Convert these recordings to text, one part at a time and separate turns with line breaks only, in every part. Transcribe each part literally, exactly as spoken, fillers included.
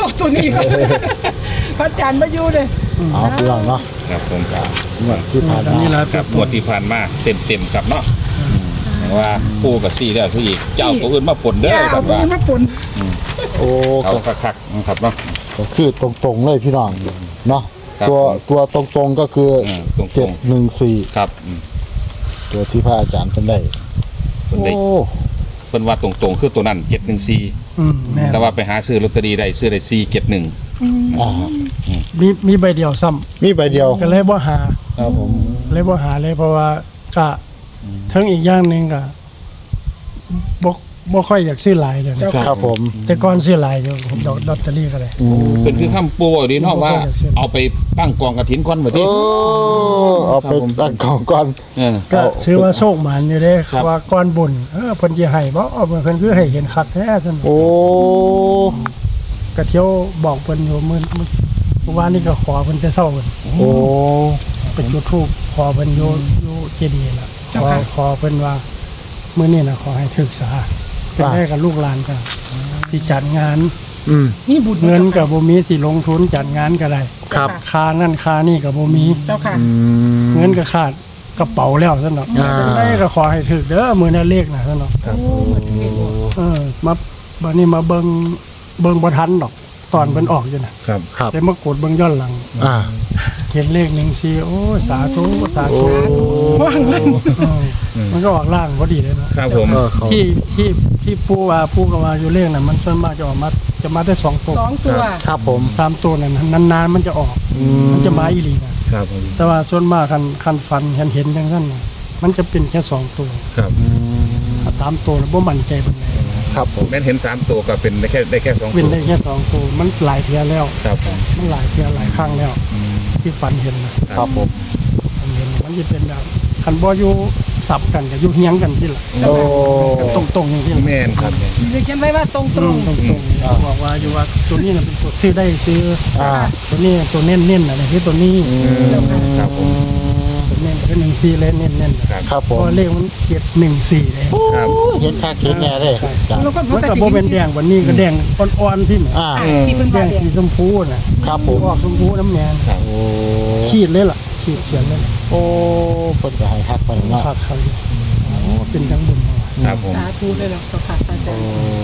อกตัวนี้ก็พระอาจารย์มาอยู่เลย
เอาพี่น้องเนาะ
ครับผมครับ
งวดที่ผ่านมา
กับงวดที่ผ่านมาเต็มเต็มครับเนาะว่าปู่กับซี่แล้วทุกอีกเจ้าตัวอื่นมาปนเด้อค
เอา
รับ
ตัว
ว่า
นี้มาปน
โอ้
เอา
ก็
คักๆครับเนาะ
ก็คือตรงๆเลยพี่น้องเนาะ
ครับ
ตัวตัวตรงๆก็คือ
อืมตรงๆ
เจ็ดหนึ่งสี่
ครับอืม
ตัวที่พระอาจารย์ท่านได้
เพิ่น
โอ้
ได้เพิ่นว่าตรงๆคือตัวนั้นเจ็ดหนึ่งสี่
อืมแม่น
แต่ว่าไปหาซื้อลอตเตอรี่ได้ซื้อได้สี่เจ็ดหนึ่ง
อ่า
มีมีใบเดียวซ้ำ
มีใบเดียว
ก็เลยบ่หา
ครับผม
เลยบ่หาเลยเพราะว่าก็ทั้งอีกอย่างหนึงก็บ่บ่ค่อยอยากซื้อหลายเดี๋ยวนี้
ครับผม
แต่ก่อนซื้อหลายอยู่ผมดอกลอตเตอรี่ก็ได้
อืม
เป็นคือคำปู่ดีเนาะว่า เอาไปตั้งกองกระถินก่อนบ่ติ
โอ้เอาไปตั้งกล่องก่อน
เออ
ก็ซื้อว่าโชคหมานอยู่เด้
ครับ
ว่าก่อนบุญเออเพิ่นสิให้บ่เอาเพิ่นคือให้เห็นคักแท้ซั่น
โอ้
ก็เที่ยวบอกเพิ่นอยู่มื้อมื้อเมื่อวานนี้ก็ขอเพิ่นแต่เช้าเพิ่น
โอ้
ไปจุดธูปขอเพิ่นอยู่อยู่เจดีย์น่ะขอขอเพิ่นว่ามื้อนี้น่ะขอให้ถึกษาเป็นได้กับลูกหลานก็สิจัดงาน
อืม
นี่บุญ
เงินกับบ่มีสิลงทุนจัดงานก็ได้
ครับ
ค่านั่นค่านี่ก็บ่มี
เจ้าค่ะ
อืม
เงินก็ขาดกระเป๋าแล้วซั่นเนาะ
อ่า
จังไดก็ขอให้ถึกเด้อมื้อนั้นเลขน่ะซั่นเนาะ
โอ้มาถึงนี่บ่
เออมาบัดนี้มาเบิ่งเบิ่งบ่ทันดอก ตอนเพิ่นออกอยู่น่ะ
ครับ
ครับ
แต่มากดเบิ่งย้อนหลัง
อ่า
เห็นเลขหนึ่งสี่โอ้สาธุสา
โอ้
ธุ
ว่างเลย
เออมันก็ออกล่างพอดีเลยเนาะ
ครับผม
เออเขา
ที่ที่ที่ปูว่าปูก็ว่าอยู่เลขน่ะมันส่วนมากจะออกมาจะมาได้สองตัว
สองตัว
ครับผม
สามตัวนั่นนานๆมันจะออก
อื
มันจะมาอีหลีนะครับ
ผม
แต่ว่าส่วนมากคันคันฟันเห็นเห็นจังซั่นน่ะมันจะเป็นแค่สองตัว
ครับ
อืม
ถ้าสามตัวน่ะบ่มั่นใจปานใด
ครับผม
แม่นเห็นสามตัวก็เป็นได้แค่ได้แค่สอง
เป็
ตั
น
ว
ได้แค่สองตัวมันหลายเทื่อแล้ว
ครับผม
มันหลายเทื่อหลายครั้งแล้ว ที่ฝันเห็นนะครับ
ผม
ฝันเห็นมันจะเป็นแบบคันบ่อยู่สับกันก็อยู่เฮียงกันที่ละ
โอ้
ตรงตรงๆอย่างที่ละ
แม่นครับ
มีเขียนไว้ว่าตรงต
ต
ร
รง งตรงตรงๆบอกว่าอยู่ว่าตัวนี้น่ะเป็นตัวซื้อได้ซื้อ
อ่า
ตัวนี้ตัวเน้นเน้นๆอะไรที่ตัวนี้
ครับผม
ตัวเน้นคือหนึ่งสี่เลยเน้นเน้นๆ
ครับ
ครับผ
เพ
ม
ราะเลขมันเกียรหนึ่งสี่เลย
ครับ
เห็นค่าเห็นแน่เลยจ้ะ
แล้วก็
มันกับโบเป็นแดงวันนี้ก็แดงอ่อนๆที่เหมือน
อ่า
ที่เป็น
แด
ว่าง
สีชมพูน่ะ
ครับผม
ออกชมพูน้ำแดง
โอ้
ขีดเลยล่ะขีดเฉียนเลยล่ะ
โอ้เพิ่นก็ให้คักไปเนาะ
ขาดเขาอยู่โอ้เป็นทั้งบุญมา
ครับผม
สาธุเลยล่ะเจ้าค่ะอาจารย์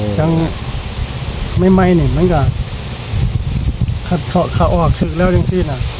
ทั้งไม่ไม่ๆนี่มันก็ขัดเขาเขาออกถึกแล้วจังซี่น่ะ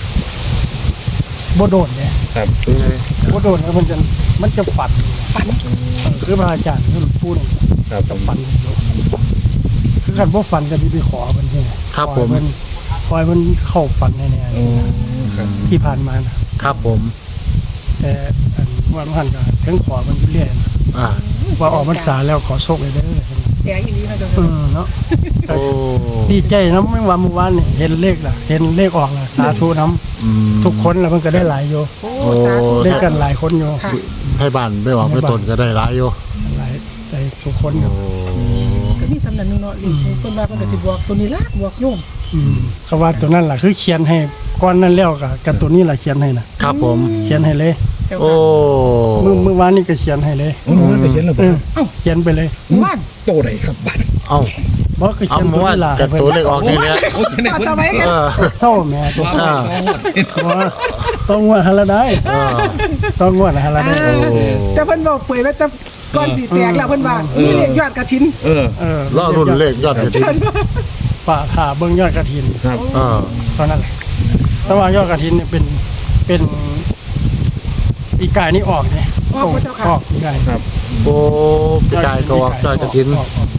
บ่โดนเนี่ย
ครับ
บ่โดนแล้วมันจะมันจะฝันฝันคือพระอาจารย์คือพูดนี่
ครับผม
ฝันอยู่คือคันบ่ฝันก็สิไปขอเพิ่นใช่ไหม
ครับผม
ขอให้เพิ่นขอให้เพิ่นเข้าฝันแน่
อืมครับ
ๆที่ผ่านมานะครับ
ผม
แต่อันวันพันก็ถึงขอเพิ่นอยู่เรื่อยนะ
อ่า
ว่าออกพรรษาแล้วขอโชคเลยเด้อ
แดงอีนี้นะเจ้า
เอ
ค่ะ
อเนาะ
โอ้
ดีใจนะไม่ว่าเมื่อวานนี่เห็นเลขล่ะ เห็นเลขออกล่ะสาธุน้
อืม
ำทุกคนแล้วมันก็ได้หลายอยู่
โอ้สาธุ
ได้กันหลายคนอยู่
ค่ะ
ให้บ้านไม่หวังไม่ตนก็ได้หลายอยู่
หลายได้ทุกคนอยู่
ก็มีสำนักหนึงเนาะลีเพิ่นว่าเพิ่นก็สิบอกตัวนี้ละบอกโยม
อืมเขาว่าตัวนั้นล่ะคือเขียนให้ก้อนนั้นแล้วกับกับตัวนี้ล่ะเขียนให้นะครับ
ผม
เขียนให้เลย
เจ้า
โอ้
ค่ะ
เมื่อเมื่อวานนี่ก็เขียนให้เลย
โอ้มันไปเขียนแล้ว
เอ
บ่
อเอ้าเขียนไปเลย
ว่าน
โตไหนครับบัด
เอ้า
บอกก็
เอา
เขียน
มา
ตัว
ว่า
นี้ล่ะ
กับตัวเลขออกนี่แหละ
ว่าจะไว้กัน
เออ
เศร้าแม่ตัว
อ่า
ว่าต้องงวดฮาละได้
เออ
ต้องงวดฮาละได้
อ่าแต่เพิ่นบอกเปิดไว้แต่ก่อนสิแตกแล้วเพิ่นว่ามีเลขยอดกระถิน
เออ
เออ
รอรุ่นเลขยอดกระถิ่น
ฝ่าผ่าเบิ้งยอดกระถิน
ครับ
เออ
ตอนนั้นแหละแต่ว่ายอดกระถินเนี่ยเป็นเป็นอีกายนี่ออกเนี่ย
ออกพระเจ้าค่ะ
ออกอีกาย
ครับ
โอ้ปีกายก็ออกยอดกระถิ่น
ออกออก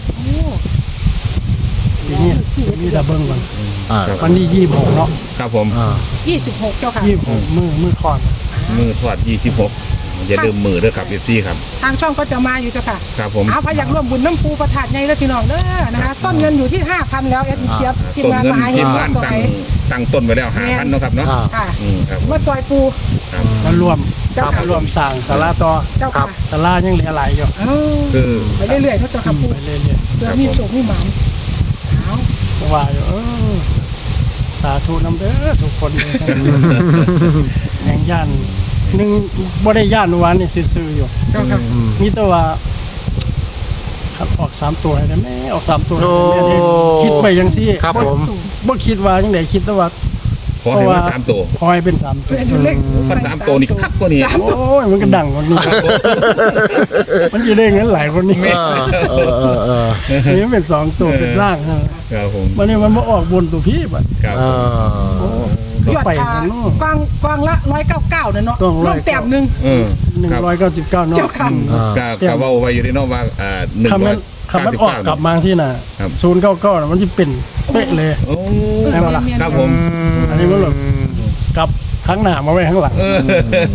ทีนี้มีแต่เบิ้งก่อน
อ่า
วันนี้ยี่สิบหกเนาะ
ครับผม
อ่า
ยี่สิบหกเจ้าค่ะ
ยี่สิบหกมือมือทอด
มือทอดยี่สิบหกอย่าลืมมือด้วยครับเอฟซีครับ
ทางช่องก็จะมาอยู่เจ้าค่ะ
ครับผม
เอาพอยากร่วมบุญน้ำปูประทาดใหญ่แล้วพี่น้องเด้อนะคะต้นเงินอยู่ที่ ห้าพัน แล้วเอ็ดเจี๊ยบทีม
ต้น
งาน
เงิน
มหาเฮ
ที
ง
ม
วั
งา
ด
น
ซอ
ตั้ง
ย
ตั้งต้นไว้แล้วห้าพันเนาะครับเนาะ
อ่า
ค่ะ
อืมครับ
วัดซอยปู
ครับ
มารวม
เจ้าค่ะ
รวมสร้างสาราต่อ
เจ้า
ครั
ค่ะ
บ
สารายังเหลือหลายอยู่
เอ้า
คือ
ไปเรื่อยๆเขาเจ้าค่ะปู
ไปเรื่อย
เดี๋ยวมีโชคมีหมานเอา
ๆเพราะว่าอยู่เออสาธุน้ำเด้อทุกคนเลยแห่งย่านหนึ่งบ่ได้ย่านวันนี่ซื่อๆอยู่
เจ้าค่ะ
อืม
มีแต่ว่าครับออกสามตัวให้ได้แม่ออกสามตัวให้
โอ้
ได้แม่คิดไปจังซี่
ครับผม
บ่คิดว่าจังได๋คิดแต่ว่า
ขอให้มาสามตัว
ขอให้เป็นสามตัว
เป็นเลข
ฟันสามตัวนี่คักกว่านี้
สามตัว
โอ้ยมันก็ดังกว่านี้มันจะได้เงินหลายคนนี้
เออเออเออเออ
นี่มันเป็นสองตัวเป็นร่างฮะ
ครับผม
วันนี้มันมาออกบนตัวพี่บัด
ครับ
เอ
โอ้
อ
ยอด
ไป
อ่า
กันเนาะ
กวางกวางละร้อยเก้าเก้าเนี่ยเนาะ
ต้องร้
ล
อย
งแต้มหนึ่ง
เออ
หนึ่ง
ครับ
ร้อยเก้าสิบเก้าเนาะ
เจ้าค่ะ
อืม
อ่า
กา
เตรียม
กาว่าไว้อยู่ในนอกว่าอ่าหนึ่ง
คำ
ร้อ
นั้
ย
นคำนั้นออกกลับมาที่น่ะ
ครับ
ศูนย์เก้าเก้าน่ะมันจะเป็นเป๊ะเลย
โอ้
ใช่ปะล่ะ
ครับผม
อันนี้มันแบบกลับทั้งหน้ามาไว้ข้างหลัง
เออก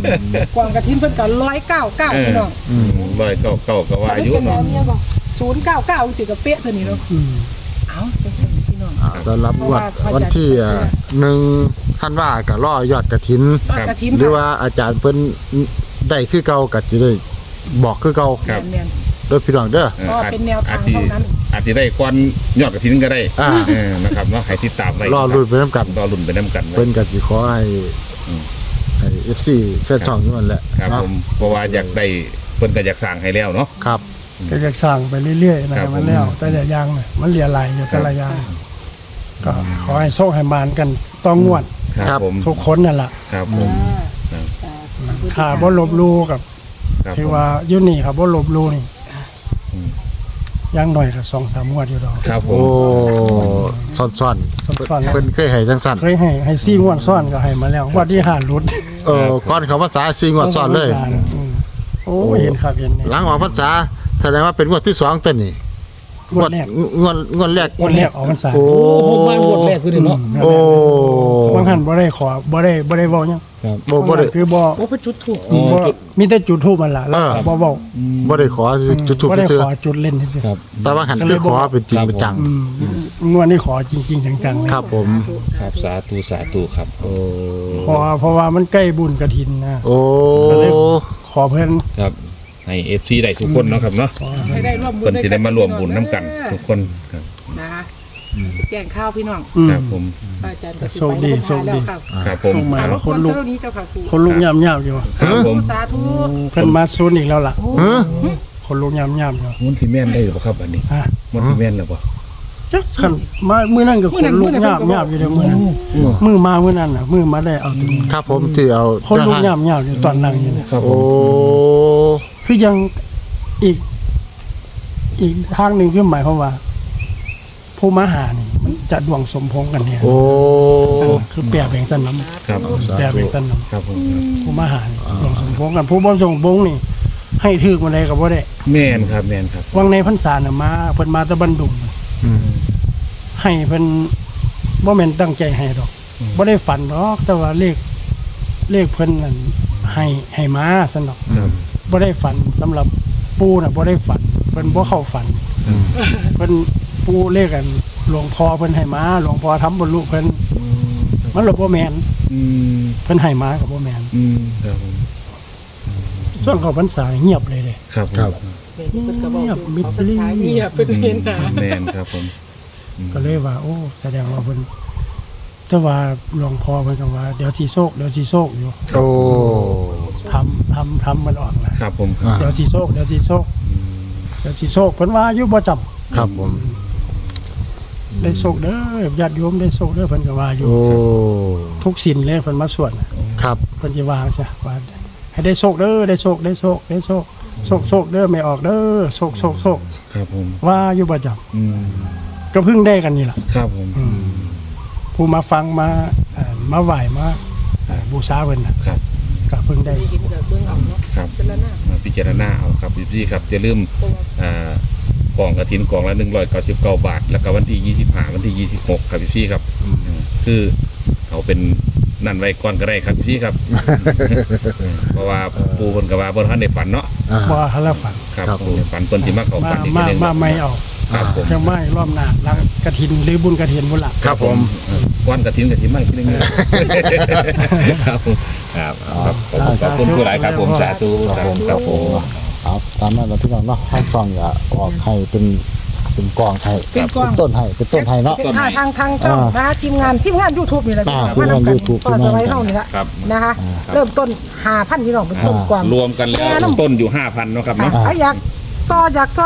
วางกระทินเพิ่นกันร้อยเก้าเก้าพี่น้อง
อืม
ร้อยเก้าเก้าก็ว่าอายุเนาะ
ศูนย์เก้าเก้าสิกับเป๊ะเท่านี้เนาะ
อืม
เอ้าเป็นเช่นนี้พี่น้อง
อ่าต้อนรับงวดวันที่อ่าหนึ่งท่านว่ากับล่อยอดกระถิน
ยอดกระทิน
หรือว่าอาจารย์เพิ่นได้คือเก่าก็สิได้บอกคือเก่า
ครับ
แม่น
โดยพี่น้องเด้อ
เออ
ก็เป็นแนวทาง
อาจจะ
เท่านั้น
อาจจะได้ก้อนยอดกระถินก็ได้
อ่า
เออนะครับเนาะให้ติดตามไว้
รอรุ่นไปนํกัน
รอรุ่นไปน้ำกันไว้
เพิ่นก็สิขอให้
อืม
ให้ เอฟ ซี แฟนช่องนี่มันแหละ
ครับ
เนาะ
ผมเพราะว่าอยากได้เพิ่นก็อยากสร้างให้แล้วเนาะ
ครับ
ก็จะสร้างไปเรื่อยๆนะครับ
ผม
มันแล้วแต่ละอย่างน่ะมันเหลือหลายอยู่แต่ละอย่างก็ขอให้โชคให้มานกันต้องงวด
ครับผม
ทุกคนนั่นล่ะ
ครับผม
ถ้าบ่ลบหลู่กับ
ครับ
ที่
ผม
ว่าอยู่นี่ครับบ่ลบหลู่นี่
อืม
อย่างหน่อยก็สองสามงวดอยู่ดอก
ครับผ
โอ้
ม
ซ่อน
ซ่อนๆ
ๆเพิ่นเคยให้จังซั่น
เคยให้ให้ซี่งวดซ้อนก็ให้มาแล้วงวดที่ห้าหลุด
เออก่อนเขาพรรษาสี่งวดซ้อนเลย
อืมโอ้เห็นครับเห็นนี่
หลังออกพรรษาแสดงว่าเป็นงวดที่สองต้นนี่
งวดแรก
งวดงวดแรก
งวดแรกออกพรรษา
โอ้
ผมมางวดแรกคือเนาะ
โอ้
บางท่านบ่ได้ขอบ่ได้บ่ได้เว้าหยัง
บ่บ่ได้
คือบ่
โอ้เป็นจุดถูก
บ่มีแต่จุดธูปมันล่ะแล้วก็บ่เว้า
บ่ได้ขอจุดทูป
บ่ได้
ซื่อ
ขอจุดเล่นซื่อ
แต่ว่าหันคือขอเป็นจริงเป็นจัง
ๆอืมงวดนี้ขอจริงๆจังๆเลย
ครับผม
ครับสาธุสาธุครับ
โอ้
ขอเพราะว่ามันใกล้บุญกฐินนะ
โอ้
ก็เลยขอเพิ่น
ครับให้ เอฟ ซี ได้ทุกคนเนาะครับเนาะ
ให้ได้ร่วมบุญ
เพิ่นสิได้มารวมบุญน้ำกันทุกคนครับ
นะคะแจ้งข้าวพี่น้อง
อืม
ครับผม
พระอาจารย์ก็สิ
โชค
ไป
ดี
แล้ว
โชคดี
ครับ
ครับผม
ลงมา
อ่า
แล้
ร
ว
บ
ค
กวน น
ลุก
เจ้านี้เจ้าค่ะครู
คนลุกยามๆอยู่
ครับผม
สาธุ
เพิ่นมาซูนอีกแล้วล่ะ
ฮะ
คนลุกยามๆอยู่
มันสิแม่นได้หรือเปล่าครับอันนี้
ฮะ
มันสิแม่นหรือเปล่า
จักคันมามื้อนั้นก็คนลุกยามๆอยู่เด้อมื้อนั้นมื้อมามื้อนั้นน่ะมื้อมาได้เอาตัวนี้
ครับผมที่เอา
คนลุกยามๆอยู่ตอนนั่งอยู่เนี่ย
ครับผ
โอ้
ม
คือยังอีก อีกทางหนึงคือหมายความว่า ผู้มาหานี่มันจะดวงสมพงษ์กันเนี่ย
โอ้
คือแปลแบ่งสันน้ำ
ครับ
แปลแบ่งสันน้
ครับผม
ำผู้มาหานี่ดวงสมพงษ์กันผู้บ่สมพงษ์นี่ ให้ถือมาได้ก็บ่ได้
แม่นครับแม่นครับ
วังในพรรษาน่ะมาเพิ่นมาแตะบันดุง
อืม
ให้เพิ่นบ่แม่นตั้งใจให้ดอกบ่ได้ฝันดอกแต่ว่าเลขเลขเพิ่นนั่นให้ให้มาซั่นดอก
ครับ
บ่ได้ฝันสำหรับปู่น่ะบ่ได้ฝันเพิ่นบ่เข้าฝันเพิ่นปู่เลขกันหลวงพ่อเพิ่นให้มาหลวงพ่อทำบรรลุเพิ่นมันเลยบ่แม่น
อืม
เพิ่นให้มาก็บ่แม่น
อืมครับผม
ส่วนเขาพรรษาเงียบเลยเด้
ครับผม
ครับ
เพิ่นก็บอก
เงียบมิด
เขา
ลี
ใช้เงียบเป็นเห็นหา
แม่นครับผม
ก็เลยว่า โอ้แสดงว่าเพิ่นแต่ว่าหลวงพ่อเพิ่นก็ว่าเดี๋ยวสิโชคเดี๋ยวสิโชคอยู่
โอ้
ทำทำทำมันออกนะครับ
ผม
อ่า
เดี๋ยวสิโชคเดี๋ยวสิโชคเดี๋ยวสิโชคเพิ่นว่าอยู่บ่จำ
ครับผม
ได้โชคเด้อญาติโยมได้โชคเด้อเพิ่นก็ว่าอยู่
โอ้
ทุกสินเลยเพิ่นมาสวดน่ะ
ครับ
เพิ่นสิว่าซะว่าให้ได้โชคเด้อได้โชคได้โชคได้โชคโชคโชคเด้อไม่ออกเด้อโชคโชคโชค
ครับผม
ว่าอยู่ประจำ
อืม
ก็เพิ่งได้กันนี่ล่ะ
ครับผม
ผู้มาฟังมาเอ่อมาไหว้มาเอ่อบูชาเพิ่นน่ะ
ครับ
ก็เพิ่งได้
เห็นกับเบื้องเอาเนาะ
ครับ
เป็นละหน้า
มาพิจารณาเอาครับพี่ครับอย่าลืม
ตัว
อ่ากล่องกระถินกล่องละหนึ่งร้อยเก้าสิบเก้าบาท แล้วก็วันที่ยี่สิบห้าวันที่ยี่สิบหกครับพี่ครับคือเขาเป็นนั่นไว้ก่อนก็ได้ครับพี่ครับ เพราะว่าปูคนกับว่าบนท่านในฝันเนาะ
อ่า
บ่ทันละฝัน
ครับ
ครับผม
ฝันเปิ้นที่มาเขา
มา
ฝันอีก
มา
ทีหนึง
มาไม่เอา
ครับผม
จังไม่รอบหน้าหลังกฐินหรือบุญกฐินพุ่นล่ะ
ครับผม
วันกระถินกระถินไม่ที่นึงครับผมครับครับผมขอบคุณผู้หลายครับผมสาธุครับผมครับผม
เอาตามนั้นเราพี่น้องเนาะให้ฟังอย่าออกให้เป็นเป็นกองให้
เป็นกอง
ต้นให้เป็นต้นให้เนาะ
เป็นทางทางทางช่อง
อ่าน
นะทีมงานทีมงาน YouTube นี่แหละ
อ่า
พี่น้อง
ทีมงาน
มำกั
YouTube
ก็สไลด์เท่านี้ละ
ครับ
นะคะ
อ่า
เริ่มต้นหาพันพี่น้องเป็นต้น
อ่า
กวาง
รวมกันแล้วต้นอยู่ห้าพันเนาะครับ
อ่ะ
เนาะ
ถ้าอยากต่ออยากซอย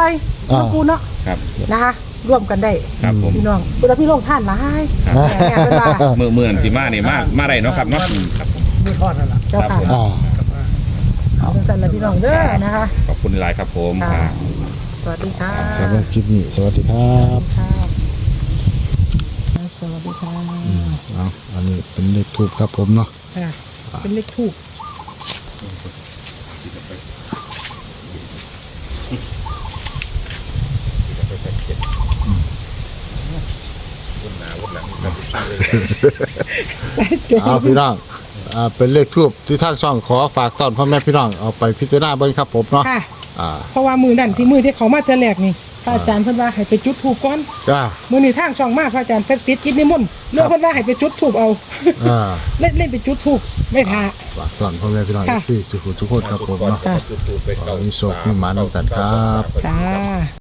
น้องปูเนาะ
ครับ
นะคะร่วมกันได้
ครับผม
พี่น้องคุณพี่ลงท่านหลาย
ครับ
แม่เป็นว่า
เมื่อเมื่อนสิมานี่มามาได้เนาะครับเนาะครับผม
มือทอดนั่นล่ะ
เจ้า
ครับ
ค่ะ
ผม
อ่า
เอาจังสันละพี่น้องเด้อนะคะ
ขอบคุณหลายครับผม
ค่ะ
ครับ
สวัสดีค่ะ
สำหรับคลิปนี้สวัสดีครับ
ค่ะสวัสดีค่ะ
เอาอันนี้เป็นเลขทูบครับผมเนาะ
ค่ะเป็นเลขทูบ
เอาพี่น้องอ่าเป็นเลขทูบที่ทางช่องขอฝากต้อนพ่อแม่พี่น้องเอาไปพิจารณาเบิ่งครับผมเนาะ
ค่ะ
อ่า
เพราะว่ามือนั่นที่มือที่เขามาเจอแรกนี่พระอาจารย์เพิ่นว่าให้ไปจุดถูกก่อน
จ้า
มือนี่ทางช่องมาพระอาจารย์เพิ่นติดกิจนิมนต์เรื่องเพิ่นว่าให้ไปจุดถูกเอา
อ่า
เล่นเล่นไปจุดถูกไม่พา
ฝากต้อนพ่อแม่พี่น้อง
ค่ะ
ที่ทุกคนทุกคนครับผมเนาะ
ค่ะ
ขอมีโชคมีหมาน้ำกันครับ
จ้า